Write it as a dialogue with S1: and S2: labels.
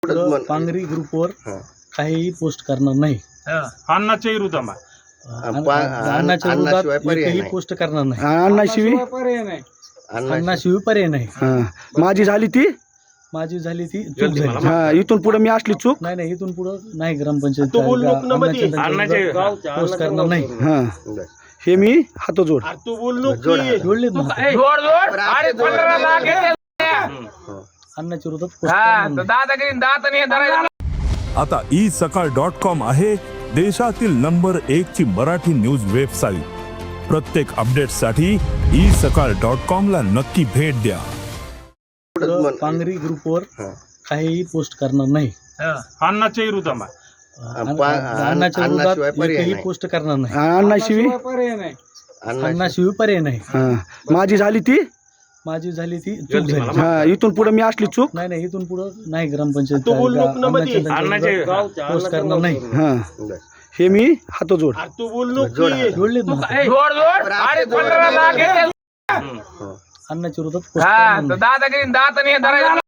S1: पांगरी ग्रुपवर काहीही पोस्ट करणार नाही.
S2: अन्नाच्या विरोधात
S1: अन्नाच्या विरोधात एकही पोस्ट करणार नाही.
S3: अन्नाशिवाय
S1: अन्नाशिवाय पर्याय नाही.
S3: माझी झाली ती
S1: चूक झाली.
S3: इथून पुढे मी असली चूक
S1: नाही इथून पुढे नाही ग्रामपंचायत पोस्ट करणार नाही.
S3: हे मी हात जोड
S2: तू बोललो
S1: जोडलेत ना. अन्नाच्या विरोधात पोस्ट करणार नाही.
S4: आता isakal.com आहे देशातील नंबर 1 ची मराठी न्यूज वेबसाईट. प्रत्येक अपडेटसाठी isakal.com ला नक्की भेट द्या.
S1: पांगरी ग्रुपवर काहीही पोस्ट करणार नाही.
S2: अन्नाच्या विरोधात
S1: अन्नाच्या विरोधात एकही पोस्ट करणार नाही.
S3: अन्नाशिवाय
S1: पर्याय नाही.
S3: माझी झाली ती
S1: चूक झाली.
S3: इथून पुढे मी असली चूक
S1: नाही इथून पुढे नाही ग्रामपंचायत पोस्ट करणार नाही.
S3: हे मी हात जोड
S2: तू बोललो
S1: जोडलेत ना. अन्नाच्या विरोधात पोस्ट करणार नाही.